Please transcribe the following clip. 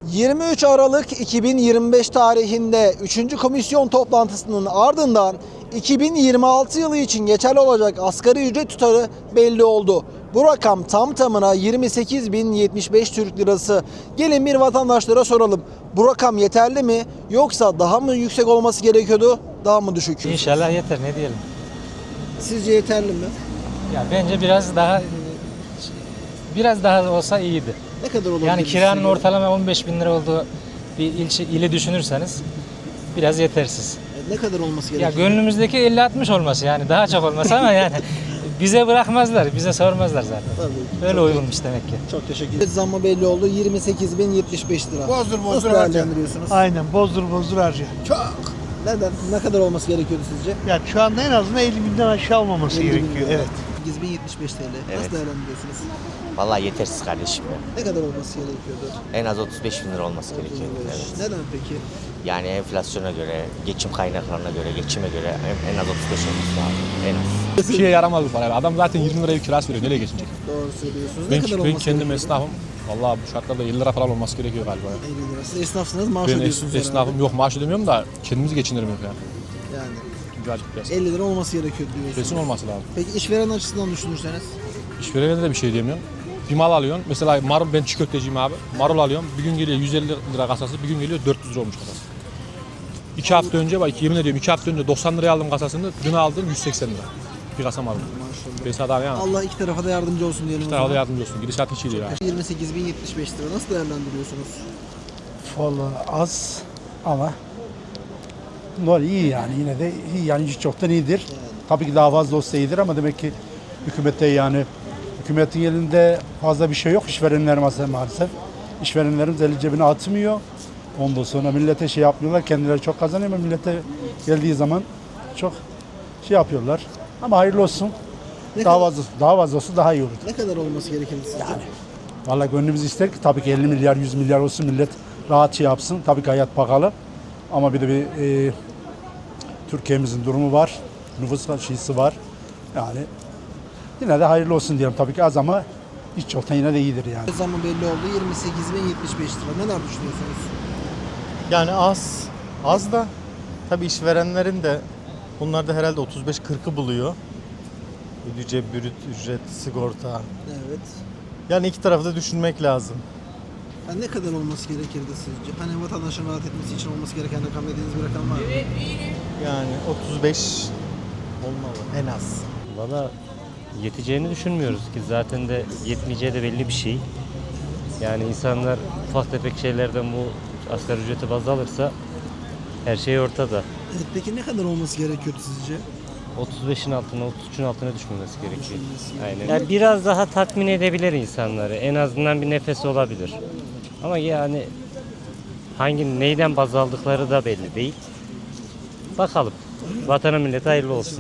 23 Aralık 2025 tarihinde 3. komisyon toplantısının ardından 2026 yılı için geçerli olacak asgari ücret tutarı belli oldu. Bu rakam tam tamına 28.075 Türk Lirası. Gelin bir vatandaşlara soralım. Bu rakam yeterli mi yoksa daha mı yüksek olması gerekiyordu, daha mı düşük? İnşallah yeter, ne diyelim. Sizce yeterli mi? Ya bence biraz daha olsa iyiydi. Ne kadar olabilir? Yani kiranın ortalama 15.000 lira olduğu bir ili düşünürseniz biraz yetersiz. Ne kadar olması Ya gerekiyor? gönlümüzdeki 50-60 olması, yani daha çok olması ama yani bize bırakmazlar, bize sormazlar zaten. Tabii. Öyle uygunmuş demek ki. Çok teşekkür ederim. Zammı belli oldu. 28.075 lira. Bozdur Nasıl harca. değerlendiriyorsunuz? Aynen bozdur harca. Çok. Neden? Ne kadar olması gerekiyordu sizce? Yani şu anda en azından 50 binden aşağı olmaması 50 bin gerekiyor. lira. Evet. 8.075 TL. Nasıl Evet. değerlendiriyorsunuz? Vallahi yetersiz kardeşim ya. Ne kadar olması gerekiyordu? En az 35.000 lira olması gerekiyor. 35. Evet. Neden peki? Yani enflasyona göre, geçim kaynaklarına göre, geçime göre en az 35 olması lazım. En az. Bir şeye yaramaz bu parayla. Adam zaten 20 liraya kirası veriyor. Nereye geçinecek? Doğru söylüyorsunuz. Ne kadar Ben olması kendim gerekiyordu? esnafım. Vallahi bu şartlarda 50 lira falan olması gerekiyor galiba. Ya. 50 lira. Siz esnafsınız, maaş Ben ödüyorsunuz esnafım yok, maaş ödemiyorum da kendimizi geçindirmiyoruz yani. Yani Birazcık biraz. 50 lira olması gerekiyor diyorsunuz. Kesin olması lazım. Peki işveren açısından düşünürseniz? İşverene de bir şey diyemiyorum. Bir mal alıyorsun. Mesela marul, ben çiğ köfteciyim abi. Marul alıyorum. Bir gün geliyor 150 lira kasası, bir gün geliyor 400 lira olmuş kasası. 2 hafta önce, bak yemin ediyorum 2 hafta önce 90 liraya aldım kasasını. Dün aldım 180 lira. Bir kasa marul. Maşallah. Ben sana yani. Allah iki tarafa da yardımcı olsun diyelim o Daha da zaman. yardımcı olsun. Gidişat hiç iyi değil ya. 28.075 lira. Nasıl değerlendiriyorsunuz? Vallahi az ama normal iyi yani, yine de iyi yani, hiç çoktan iyidir. Tabii ki daha fazla olsa iyidir ama demek ki hükümette, yani hükümetin elinde fazla bir şey yok, işverenler maalesef. İşverenlerimiz eli cebine atmıyor. Ondan sonra millete şey yapmıyorlar, kendileri çok kazanıyor ama millete geldiği zaman çok şey yapıyorlar. Ama hayırlı olsun. Ne Daha kadar, fazla olsa daha iyi olur. ne kadar olması gerekirdi sizce? Vallahi gönlümüz ister ki tabii ki 50 milyar 100 milyar olsun, millet rahat şey yapsın. Tabii ki hayat pahalı ama bir de Türkiye'mizin durumu var. Nüfus şeysi var. Yani yine de hayırlı olsun diyelim, tabii ki az ama hiç çoktan yine de iyidir yani. Zammı belli oldu. 28.075 lira. Neler düşünüyorsunuz? Yani az da tabii işverenlerin de bunlar da herhalde 35-40'ı buluyor. Ödeyeceği brüt ücret, sigorta. Evet. Yani iki tarafı da düşünmek lazım. Yani ne kadar olması gerekirdi sizce? Hani vatandaşın rahat etmesi için olması gereken rakam dediğiniz bir rakam var mı? Yani 35 olmalı en az. Valla yeteceğini düşünmüyoruz ki, zaten de yetmeyeceği de belli bir şey. Yani insanlar ufak tefek şeylerden bu asgari ücreti baz alırsa her şey ortada. Evet, peki ne kadar olması gerekiyordu sizce? 35'in altına, 33'ün altına düşmemesi gerekiyor. Aynen. Yani biraz daha tatmin edebilir insanları. En azından bir nefes olabilir. Ama yani neyden baz aldıkları da belli değil. Bakalım. Vatana millete hayırlı olsun.